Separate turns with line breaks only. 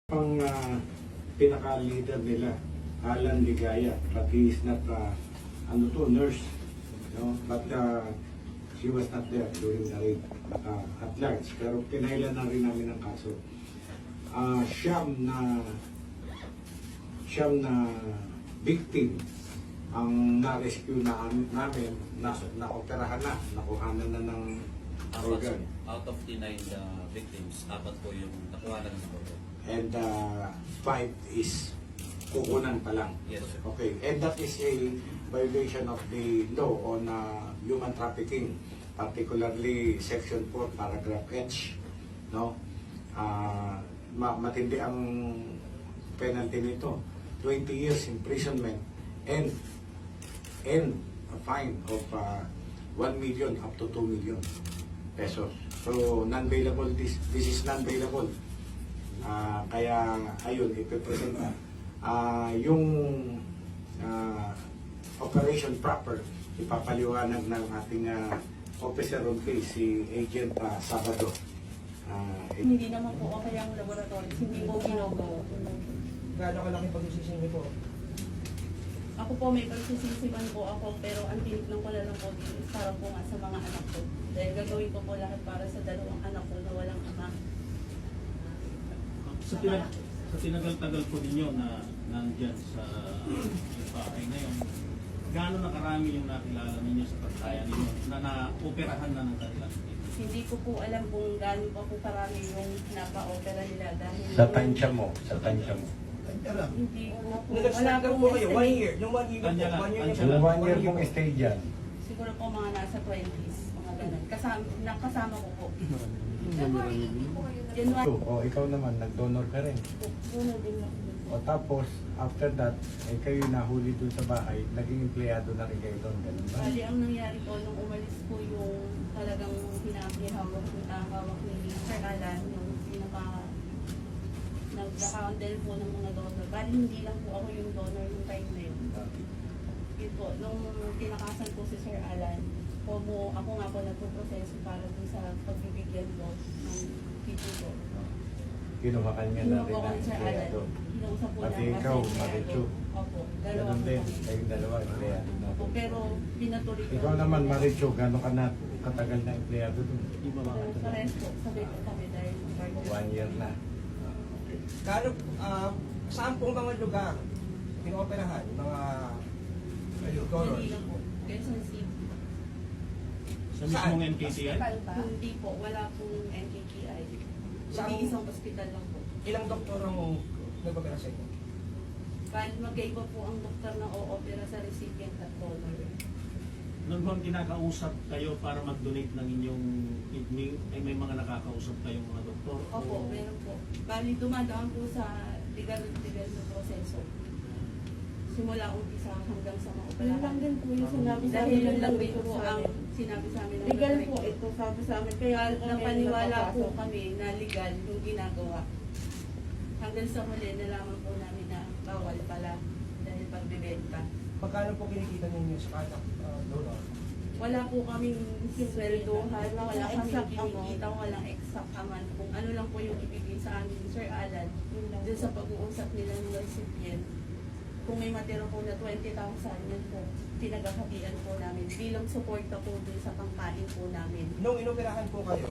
Ang pinaka-leader nila, Alan Ligaya, but he is not nurse, but she was not there during the raid at large. Pero pinailan na rin namin ang kaso. Siyam na victim ang na-rescue namin, na-operahan na, nakuhanan na ng organ.
Out of the 9 victims, 4 po yung nakuha na ng organ.
And 5 is kukunan pa lang.
Yes, sir.
Okay, and that is a violation of the law on human trafficking, particularly Section 4, Paragraph H. No? Matindi ang penalty nito. 20 years imprisonment and a fine of 1 million up to 2 million pesos. So, non-bailable, this is non-bailable. Kaya, ayun, ipipresent na. Yung operation proper, ipapaliwanag ng ating officer on case, si Agent Sabado.
Hindi naman po okay ang laboratories, hindi po ginagawa.
Gaano kalaki pagsisisi po?
Ako po may pagsisisiman po ako, pero ang tinignan ko na lang po din para po nga sa mga anak ko. Dahil gagawin ko po lahat para sa dalawang anak ko na walang ama.
Sa tinagal-tagal po ninyo na nandyan sa bahay ngayon, gaano na karami yung nakilala ninyo sa pagkaya ninyo na na-operahan na ng kanilang team?
Hindi ko po alam kung gaano pa po karami yung napa-opera nila dahil...
Sa tansya mo.
Hindi ko po.
Nag-start lang po kayo, 1 year. Yung 1 year na
Kanya
po,
lang,
1 year na
kanya
po.
lang.
1 year mong stay dyan.
Siguro po mga nasa 20s, mga ganun. Nakasama ko po. January.
Ikaw naman, nag-donor ka rin.
Donor din ako.
O tapos, after that, kayo nahuli dun sa bahay, naging empleyado na rin kayo doon, ganun ba?
Bali, ang nangyari po nung umalis po yung talagang hawak ni Sir Alan, yung nag-handle po ng mga donor. Bali, hindi lang po ako yung donor yung time na yun. Yun po, nung tinakasan po si Sir Alan, ako nga po nagpo-proseso para dun sa pagbibigyan ko ng tito ko.
Kinuha ka niya na rin
Kinuha ko
na
ni Sir Alan.
empleyado.
Kinuha po
Pati
niya
ikaw,
kasi
Marichu.
Opo, dalawa
Ganun
po
din,
kami.
kayong dalawa, empleyado na.
Opo, pero pinatuloy ko.
Ikaw naman, Marichu, gano'n ka na katagal na empleyado doon?
Pares po, sabi ko kami dahil
1 year na.
Gaano, saan pong mga lugar pinooperahan? Mga donors?
Hindi lang po. Quezon City.
Sa mismong NKCI?
Hindi po, wala pong NKKI.
Saan?
Hindi isang hospital lang po.
Ilang doktor ang nagpapera sa inyo?
Bali, magkaiba po ang doktor na o-opera sa recipient at donor.
Noon bang kinakausap kayo para mag-donate ng inyong kidney, ay may mga nakakausap kayong mga doktor?
Opo, meron po. Bali, dumadaan po sa legal na proseso. Simula umpisa hanggang sa mga operahan.
Yun lang din po yung sinabi sa
Dahil
amin
yun lang
ng
din po
doktor.
ang sinabi sa amin ng
Legal
doktor.
po ito, sabi sa amin. Kaya
Napaniwala po kami na legal yung ginagawa. Hanggang sa huli, nalaman po namin na bawal pala dahil pagbibenta.
Magkano po kinikita ninyo sa kada donor?
Wala po kaming sweldohan, wala kaming
Exact
kinikita, walang exact amount. Kung ano lang po yung ibigay sa amin ni Sir Alan, dun sa pag-uusap nila ng recipient, kung may matira po na 20,000, yun po, pinagkakabian po namin bilang suporta po dun sa pangkain po namin.
Nung inoperahan po kayo,